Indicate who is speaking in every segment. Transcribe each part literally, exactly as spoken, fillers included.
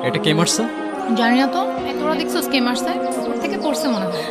Speaker 1: এটা কে মারছে?
Speaker 2: জানি না তো, তোরা দেখছো কে মারছে? উপর থেকে পড়ছে মনে হয়।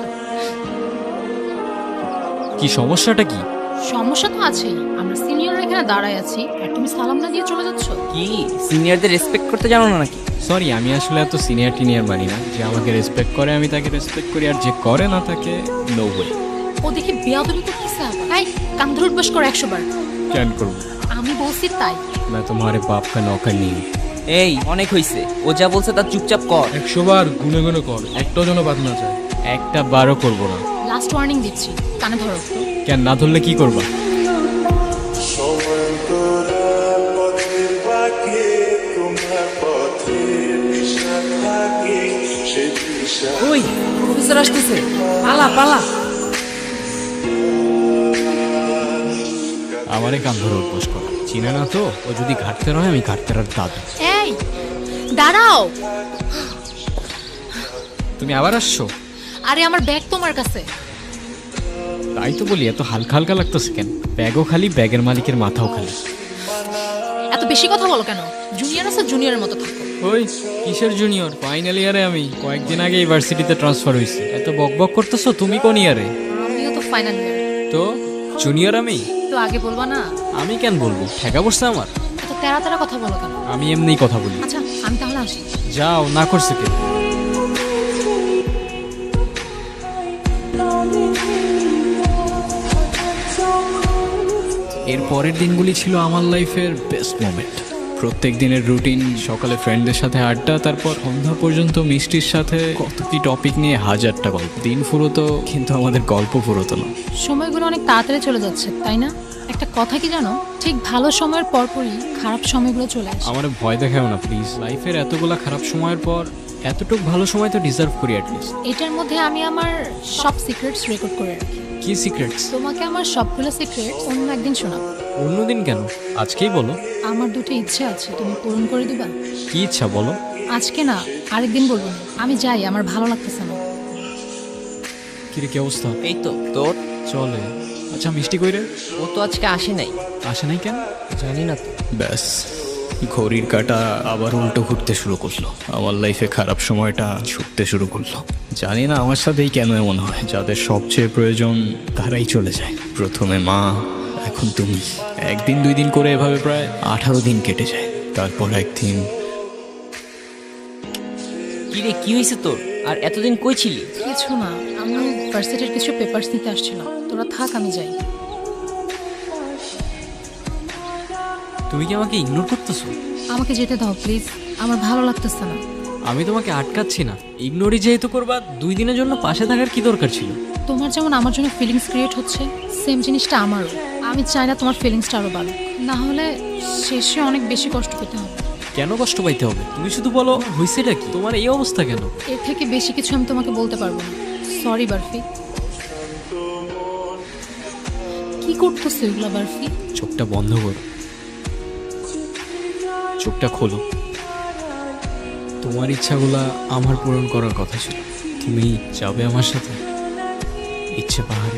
Speaker 1: কি সমস্যাটা কি?
Speaker 2: সমস্যা তো আছেই, আমরা সিনিয়ররা এখানে দাঁড়ায় আছি আর তুমি সালাম না দিয়ে চলে যাচ্ছ।
Speaker 3: কি সিনিয়রদের রেসপেক্ট করতে জানো না নাকি?
Speaker 1: সরি, আমি আসলে এত সিনিয়র টিনিয়র মানি না। যে আমাকে রেসপেক্ট করে আমি তাকে রেসপেক্ট করি, আর যে করে না তাকে নো ওয়ে।
Speaker 2: ও দেখি বেয়াদবি করতেছে। তাই কান ধরে উঠবাস করো একশো বার।
Speaker 1: কেন করবো?
Speaker 2: আমি বলছি তাই।
Speaker 1: मैं तुम्हारे बाप का नौकर नहीं हूँ।
Speaker 3: এই অনেক হইছে, ও যা বলছে তার চুপচাপ কর।
Speaker 4: একশো বার গুনে গুনে কর, একটাও যেন বাদ না যায়।
Speaker 1: একটা বারও করবো না।
Speaker 2: লাস্ট ওয়ার্নিং দিচ্ছি, কানে ধরো।
Speaker 1: কেন না ধরলে কি করবা?
Speaker 3: ওই প্রফেসর আসতেছে, পালা পালা।
Speaker 1: আমারে কান ধরে উঠবোস কর। চিনে না তো? ও যদি ঘাটতে রয় আমি ঘাটতে আর দাদু।
Speaker 2: এই দাঁড়াও।
Speaker 1: তুমি আবার আসছো?
Speaker 2: আরে আমার ব্যাগ তোমার কাছে।
Speaker 1: তাই তো বলি, এত হালকা হালকা লাগতেছে কেন? ব্যাগও খালি, ব্যাগের মালিকের মাথাও খালি।
Speaker 2: এত বেশি কথা বলো কেন? জুনিয়র আছে, জুনিয়রের মতো থাকো।
Speaker 1: ওই কিসের জুনিয়র? ফাইনাল ইয়ারে আমি। কয়েকদিন আগে ইউনিভার্সিটিতে ট্রান্সফার হয়েছি। এত বক বক করতেছো। তুমি কোন ইয়ারে?
Speaker 2: আমিও তো ফাইনাল ইয়ার।
Speaker 1: তো জুনিয়র আমি?
Speaker 2: তো আগে বলবা না?
Speaker 1: আমি কেন বলবো? ঠেকা বসছে আমার।
Speaker 2: এত তেরা তেরা কথা বলো কেন?
Speaker 1: আমি এমনিই কথা বলি।
Speaker 2: আচ্ছা আমি তাহলে আসি।
Speaker 1: যাও, না করছে কে? এর পরের দিনগুলি ছিল আমার লাইফের বেস্ট মোমেন্ট। প্রত্যেক দিনের রুটিন, সকালে ফ্রেন্ডদের সাথে আড্ডা, তারপর সন্ধ্যা পর্যন্ত মিষ্টির সাথে কত কি টপিক নিয়ে হাজারটা গল্প। দিন ফুরোতো কিন্তু আমাদের গল্প ফুরোতো না।
Speaker 2: সময়গুলো অনেক তাড়াতাড়ি চলে যাচ্ছে, তাই না? একটা কথা কি জানো, ঠিক ভালো সময়ের পরপরই খারাপ সময়গুলো চলে আসে।
Speaker 1: আমার ভয় দেখাও না প্লিজ। লাইফের এতগুলা খারাপ সময়ের পর এতটুক ভালো সময় তো ডিজার্ভ করি অ্যাটলিস্ট।
Speaker 2: এটার মধ্যে আমি আমার সব সিক্রেটস রেকর্ড করে রাখি।
Speaker 1: কি সিক্রেটস?
Speaker 2: তোমাকে আমার সবগুলো সিক্রেট অন্য একদিন শোনাবো।
Speaker 1: অন্যদিন কেন? আজকেই বলো।
Speaker 2: আমার দুটো ইচ্ছে আছে, তুমি পূরণ করে দিবা?
Speaker 1: কি ইচ্ছা বলো?
Speaker 2: আজকে না, আরেকদিন বলবো না। আমি যাই, আমার ভালো লাগতেছে না।
Speaker 1: কিরে, কি অবস্থা?
Speaker 3: এই তো তোর।
Speaker 1: চলে। আচ্ছা মিষ্টি কইরে?
Speaker 3: ও তো আজকে আসে নাই।
Speaker 1: আসে নাই কেন?
Speaker 3: জানি না তো।
Speaker 1: ব্যাস, ঘড়ির কাঁটা আবার উল্টো ঘুরতে শুরু করলো। আমার লাইফে খারাপ সময়টা ছুটতে শুরু করলো। জানি না আমার সাথেই কেন এমন হয়। যাদের সবচেয়ে প্রয়োজন তারাই চলে যায়। প্রথমে মা, এখন তুমি। একদিন দুই দিন করে এভাবে প্রায় আঠারো দিন কেটে যায়। তারপর একদিন।
Speaker 3: কি রে, কি হয়েছে তোর? আর এতদিন কই ছিলি?
Speaker 2: কিছু না, আমি ভার্সিটির কিছু পেপারস নিতে আসছিলাম। তোরা থাক, আমি যাই।
Speaker 1: তুমি কি আমাকে ইগনোর করতেছো?
Speaker 2: আমাকে যেতে দাও প্লিজ, আমার ভালো লাগতেছে না।
Speaker 1: আমি তোমাকে আটকাচ্ছি না। ইগনোরই যেহেতু করবা, দুই দিনের জন্য পাশে থাকার কি দরকার ছিল?
Speaker 2: তোমার যেমন আমার জন্য ফিলিংস ক্রিয়েট হচ্ছে, সেম জিনিসটা আমারও। আমি চাই না তোমার ফিলিংসটা আরও বাড়ুক, না হলে শেষে অনেক বেশি কষ্ট পেতে হবে।
Speaker 1: কেন কষ্ট পাইতে হবে? তুমি শুধু বলো হয়েছেটা কি, তোমার এই অবস্থা কেন?
Speaker 2: এর থেকে বেশি কিছু আমি তোমাকে বলতে পারবো না। সরি বারফি। কি করতেছো এগুলো বারফি?
Speaker 1: চোখটা বন্ধ করো, চোখটা খোলো। তোমার ইচ্ছাগুলা আমার পূরণ করার কথা ছিল। তুমি যাবে আমার সাথে ইচ্ছে পাহাড়ে?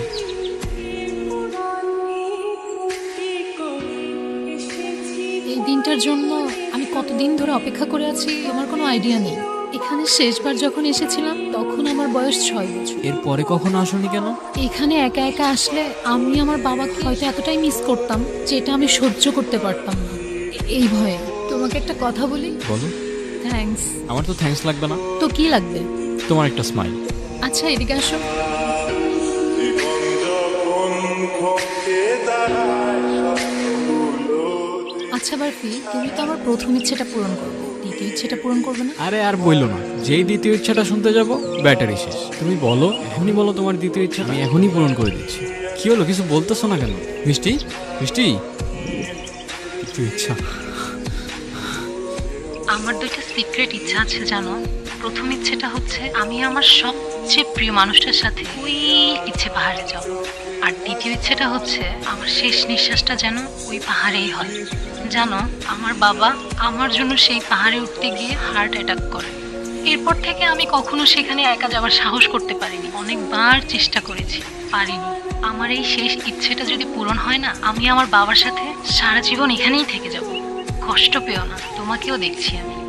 Speaker 2: এই দিনটার জন্য আমি কতদিন ধরে অপেক্ষা করে আছি আমার কোনো আইডিয়া নেই। এখানে শেষবার যখন এসেছিলাম তখন আমার বয়স ছয় বছর।
Speaker 1: এর পরে কখনো আসোনি কেন?
Speaker 2: এখানে একা একা আসলে আমি আমার বাবাকে হয়তো এতটাই মিস করতাম যেটা আমি সহ্য করতে পারতাম না। এ- এই ভয়ে তোমাকে একটা কথা বলি।
Speaker 1: বলো।
Speaker 2: থ্যাঙ্কস।
Speaker 1: আমার তো থ্যাঙ্কস লাগবে না।
Speaker 2: তো কি লাগবে?
Speaker 1: তোমার একটা স্মাইল।
Speaker 2: আচ্ছা এদিকে আসো। আচ্ছা বারফি, তুমি তো আমার প্রথম ইচ্ছেটা পূরণ করবে, দ্বিতীয় ইচ্ছেটা পূরণ করবে না?
Speaker 1: আরে আর বইলো না, যেই দ্বিতীয় ইচ্ছাটা শুনতে যাব ব্যাটারি শেষ। তুমি বলো, এখনই বলো তোমার দ্বিতীয় ইচ্ছা, আমি এখনই পূরণ করে দিচ্ছি। কি হলো, কিছু বলতেছো না কেন? মিষ্টি, মিষ্টি, দ্বিতীয় ইচ্ছা।
Speaker 2: আমার দুইটা সিক্রেট ইচ্ছা আছে জানো। প্রথম ইচ্ছেটা হচ্ছে আমি আমার সবচেয়ে প্রিয় মানুষটার সাথে ওই ইচ্ছে পাহাড়ে যাব। আর দ্বিতীয় ইচ্ছেটা হচ্ছে আমার শেষ নিঃশ্বাসটা যেন ওই পাহাড়েই হয়। জানো, আমার বাবা আমার জন্য সেই পাহাড়ে উঠতে গিয়ে হার্ট অ্যাটাক করে। এরপর থেকে আমি কখনো সেখানে একা যাওয়ার সাহস করতে পারিনি। অনেকবার চেষ্টা করেছি, পারিনি। আমার এই শেষ ইচ্ছেটা যদি পূরণ হয় না, আমি আমার বাবার সাথে সারা জীবন এখানেই থেকে যাব। কষ্ট পেও না, তোমাকেও দেখছি আমি।